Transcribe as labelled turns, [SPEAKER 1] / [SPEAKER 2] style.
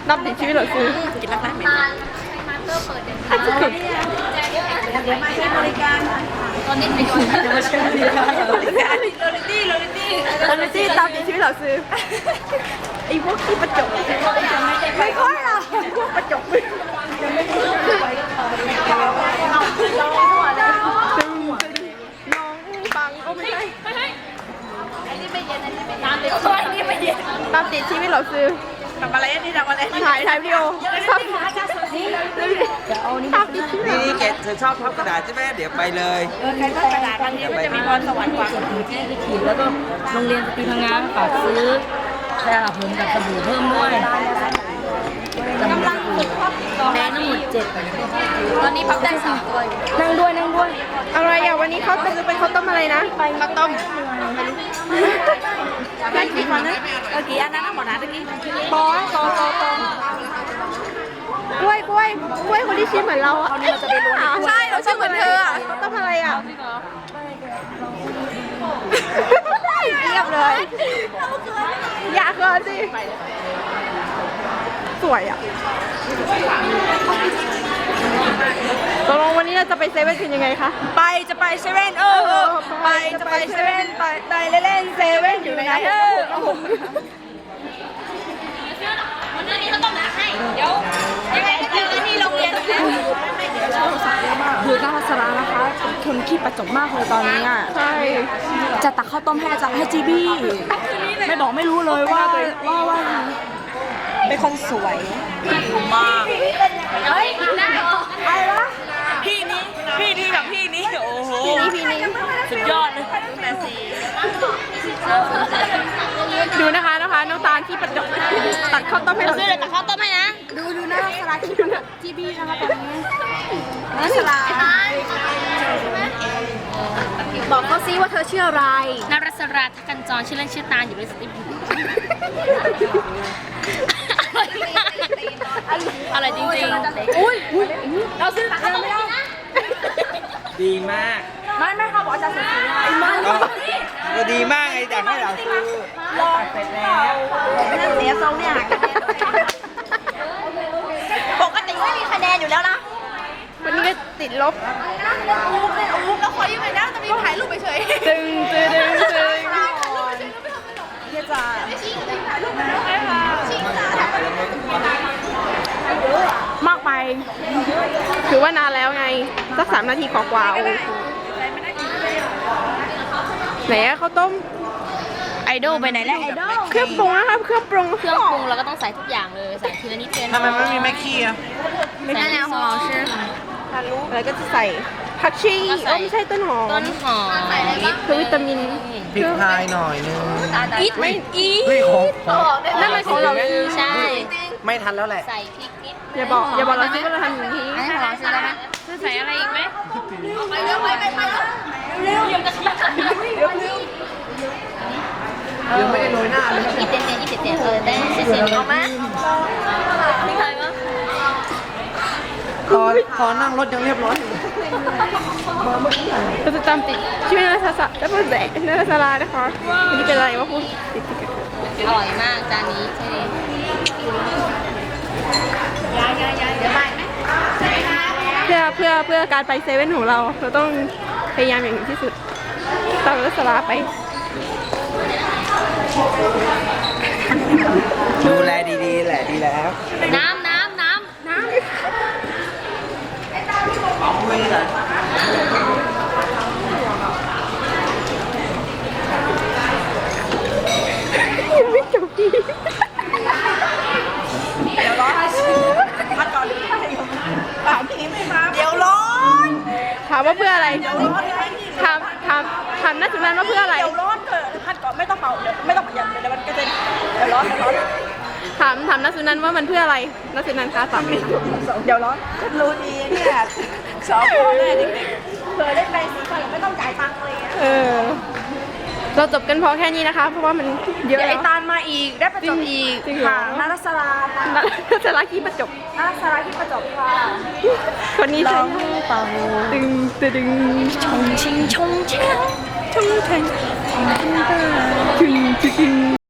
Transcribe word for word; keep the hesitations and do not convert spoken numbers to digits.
[SPEAKER 1] นับติดชีวิตเหรอซื้อกินรักแร้ไหมอาจจะกิน
[SPEAKER 2] เดี๋ยวมาใช้บริการตอนนี้ไปก่อนเดี๋ยวมาใช้บริการโรลิตี้โรลิตี้โรลิตี้
[SPEAKER 1] โรลิตี้ตามติดชีวิตเหรอซื้อไอ้พวกที่ประจบไม่ค่อยหรอกพวกประจบมึงยังไม่รู้ไปน้องบังก็ไม่ใช่
[SPEAKER 2] อันนี้ไม่เย็นอันนี้ไม่ตามติดช่วยนี่ไม่เย็น
[SPEAKER 1] ตามติดชีวิตเหรอซื้อ
[SPEAKER 2] ทำอะไรนี่ทำอะไร
[SPEAKER 1] ถ่ายถ่ายวิดีโอชอบชอบติดชีวิต
[SPEAKER 3] นี่เกดเธอชอบพับกระดาษใช่ไหมเดี๋ยวไปเลย
[SPEAKER 2] เออใครพับกระดาษบางทีก็จะมีพรสวรรค์กว่าคนอื่นที่ไปขี่แล้วก็โรงเรียนสตรีพังงาฝากซื้อแช่ผมกับสบู่เพิ่มด้วยกำลังฝึกพับแม่ทั้งหมดเจ็ดตอนนี้พับได้สามตัวนั่งด้วยนั่งด้วย
[SPEAKER 1] อะไรอ่ะวันนี้เขาจะเป็นข้าวต้มอะไรนะข้าวต้ม
[SPEAKER 2] ได้กี่คนนะเออกี่อันนั้นหมดนะตะกี้
[SPEAKER 1] ปองปองปองปองกล้วยกล้วยกล้วยคนที่ชื่อเหมือนเราอ่ะใช่เราชื่อเหมือนเธออ่ะข้าวต้มอะไรอ่ะเรียบเลยอยากเกินสิสวยอ่ะตกลงวันนี้เราจะไปเซเว่นกันยังไงคะ
[SPEAKER 2] ไปจะไปเซเว่นเออไปจะไปเซเว่นไปไปเล่นเซเว่นอยู่ไหนเออวันนี้เขาต้องหาให้เดี๋ยวยังไงก็เจอกันที่โรงเรียนแล้ว
[SPEAKER 1] คือก้าวสาระนะคะคนขี้ประจบมากเลยตอนนี้อ่ะใช่จะตักข้าวต้มให้อาจารย์ให้จีบี้ไม่บอกไม่รู้เลยว่าว่าว่าเป็นคนสวย
[SPEAKER 2] มากเฮ้ยได้เหรออะไรวะพี่นี้พี่นี้กับพี่นี้โอ้โห
[SPEAKER 1] พี่นี้พี่นี้
[SPEAKER 2] สุดยอดเลย
[SPEAKER 1] ดูนะคะนะคะน้องตาลที่ประจบตัดข้าวต้มให้เรา
[SPEAKER 2] ซื้อเลยตัดข้าวต้มให้นะ
[SPEAKER 1] ดูดูหน้าสลัดที่จีบี้นะคะตอนนี้หน้าสลัดบอกเขาซิว่าเธอชื่ออะไร
[SPEAKER 4] นรัสราทักันจรชื่อเล่นชื่อตาลอยู่ในสติอะไรจริงๆ
[SPEAKER 1] อุ้ยเราซื้อตักไม่ได้
[SPEAKER 3] ดีมาก
[SPEAKER 1] ไม่ไม่ค่ะบอกอาจารย์เสียมัน
[SPEAKER 3] ก็ดีมากไงอยากให้เราซื้อ
[SPEAKER 2] รอเสร็จแล้วนั่นเสียทรงเนี่ยปกติไม่มีคะแนนอยู่แล้วนะ
[SPEAKER 1] วันนี้ก็ติดลบ
[SPEAKER 2] อู้เป็นอู้แล้วขอยืมหน่อยนะจะมีถ่ายรูปไปเฉย
[SPEAKER 1] ตึงตึงตึงตึง
[SPEAKER 2] เฮียจ่าม
[SPEAKER 1] ากไปถือว่านานแล้วไงสักสามนาทีกว่าๆไหนอะข้าวต้ม
[SPEAKER 4] ไอดอลไปไหนแล้วไอดอล
[SPEAKER 1] เครื่องปรุงนะครับเครื่องปรุง
[SPEAKER 4] เครื่องปรุงเราก็ต้องใส่ทุกอย่างเลยใส่ทีละนิดทีละนิด
[SPEAKER 3] ทำไมไม่มีแม่ขี้อ่ะ
[SPEAKER 4] ใส่แล้วของเราชื่อ
[SPEAKER 1] แล้วก็จะใส่ผักชีโอ้ไม่ใช่ต้นหอม
[SPEAKER 4] ต้นหอม
[SPEAKER 1] คือวิตามิน
[SPEAKER 3] พริกไทยหน่อยนึง
[SPEAKER 4] อีทไม่อีท
[SPEAKER 1] นั่นมันของเรา
[SPEAKER 4] ใช่
[SPEAKER 3] ไม่ทันแล้วแหละ
[SPEAKER 4] ใส่พริกนิด
[SPEAKER 1] อย่าบอกอย่าบอกเราซิว่าเราทำอย่างนี้
[SPEAKER 4] อันนี้ของเราใช่ไหมจะใส่อะไรอีกไหม
[SPEAKER 2] ไปเร็วไปไปไปเร็วเร็วเร็วเร็ว
[SPEAKER 3] ยังไม่ได้โรยหน้าเลย
[SPEAKER 4] อีเต็นเต็นอีเต็นเต็นเออได้เสียเสียเอาไหมนี่ใครมั้ง
[SPEAKER 3] พอพอนั่งรถยังเรียบร้อย
[SPEAKER 1] เราจะจำติดชื่อนาซาซาแล้วก็แดกนาซาลานะคะวันนี้เป็นอะไรวะพูด
[SPEAKER 4] อร่อยมากจานนี้ใช่ไหม
[SPEAKER 2] ยายยายยายเดี๋ยวไปไหม
[SPEAKER 1] เพื่อเพื่อเพื่อการไปเซเว่นของเราเราต้องพยายามอย่างที่สุดตามนาซาลาไป
[SPEAKER 3] ดูแลดีๆแหละดีแล้ว
[SPEAKER 4] น้ำน้ำน้ำน้ำ
[SPEAKER 3] เอาไปเลย
[SPEAKER 1] ยังไม่จบดี
[SPEAKER 2] เดี๋ยวร้อนพักก่อนถามพี่ไม่มาเดี๋ยวร้อน
[SPEAKER 1] ถามว่าเพื่ออะไรถามถามถามนักศึกษาว่าเพื่ออะไร
[SPEAKER 2] เดี๋ยวร้อนเกิดพักก่อนไม่ต้องเป่าเดี๋ยวไม่ต้องประหยัดเดี๋ยวมันกระเด็นเดี๋ยวร้อนเดี๋ยวร้อน
[SPEAKER 1] ถามถามนักศึกษาว่ามันเพื่ออะไรนักศึกษาคะตอบ
[SPEAKER 2] เดี๋ยวร้อนรู้ดีเนี่ยสอบพ่อแม่เด็กๆเคยได้ไปสีไฟไม่ต้องจ่ายตังค์เลย
[SPEAKER 1] เออเราจบกันพอแค่นี้นะคะเพราะว่ามันเยอะแล้ว
[SPEAKER 2] ไอตาลมาอีกได้ประจบอีกค่ะนารัสรา
[SPEAKER 1] นารัสราที่ประจบ
[SPEAKER 2] นารัสราที่ประจบค่ะ
[SPEAKER 1] คนนี้ใช่
[SPEAKER 2] เป่า
[SPEAKER 1] ตึงตึง
[SPEAKER 2] ชงชิงชงเชงชงเชง
[SPEAKER 1] ตึงตึง